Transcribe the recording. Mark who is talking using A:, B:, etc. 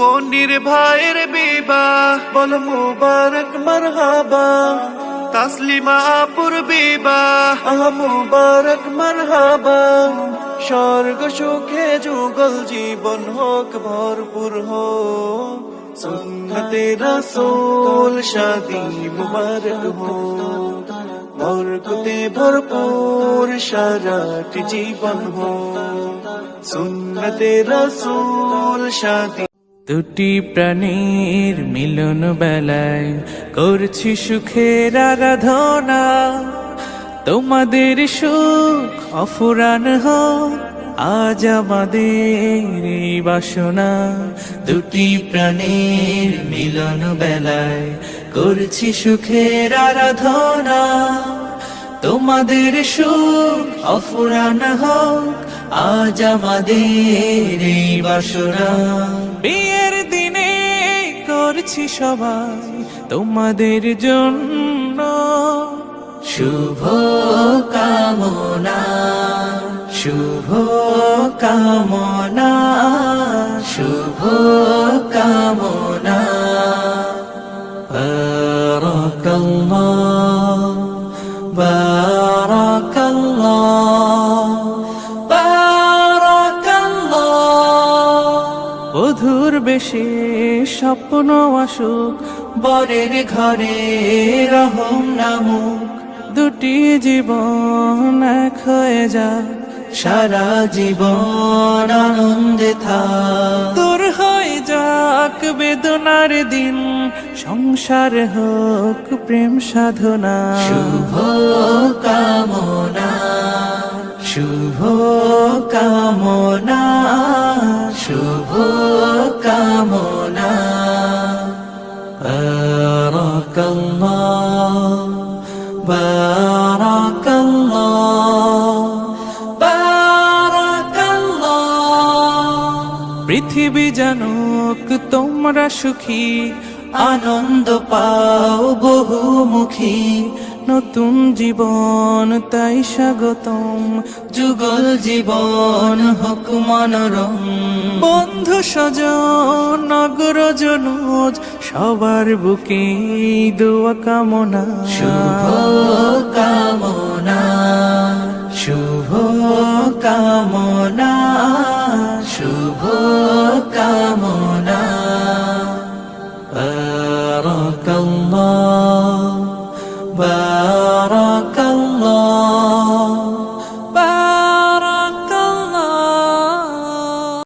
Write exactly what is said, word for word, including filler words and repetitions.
A: মনির ভাইয়ের বিবাহ, বল মুবারক মারহাবা। তাসলিমা আপুর বিবাহ, আহ মুবারক মারহাবা। স্বর্গ সুখে যুগল জীবন হোক ভরপুর হোক, সুন্নতে রাসূল শাদী মুবারক হোক। বরকতে ভরপুর সারাটি জীবন হোক, সুন্নতে রাসূল শাদী।
B: দুটি প্রাণীর মিলন বেলায় করছি সুখের আরাধনা, তোমাদের সুখ অফুরান হোক আজ আমাদের এই বাসনা। দুটি প্রাণীর মিলন বেলায় করছি সুখের আরাধনা, তোমাদের সুখ অফুরান হোক আজ আমাদের এই বাসনা। বিয়ের দিনে করছি সবাই তোমাদের জন্য শুভ কামনা, শুভ কামনা, শুভ কামনা। বারাকাল্লাহ, বারাকাল্লাহ, বারাকাল্লাহ। বধুর বেশে স্বপ্ন আসুক, বরের ঘরে রহম নামুক, দুটি জীবন এক হয়ে যাক, সারা জীবন আনন্দে থাক। দূর হয়ে যাক বেদনার দিন, সংসার হোক প্রেম সাধনা। শুভ কামনা, শুভ কামনা, শুভ কামনা। বারাকাল্লাহ, বারাকাল্লাহ, বারাকাল্লাহ। পৃথিবী জানুক তোমরা সুখী, আনন্দ পাও বহুমুখী, নতুন জীবন তাই স্বাগতম, যুগল জীবন হোক মনোরম। বন্ধু স্বজন নগরজনুজ সবার বুকে দোয়া কামনা। শুভ কামনা, শুভ কামনা, শুভ কামনা।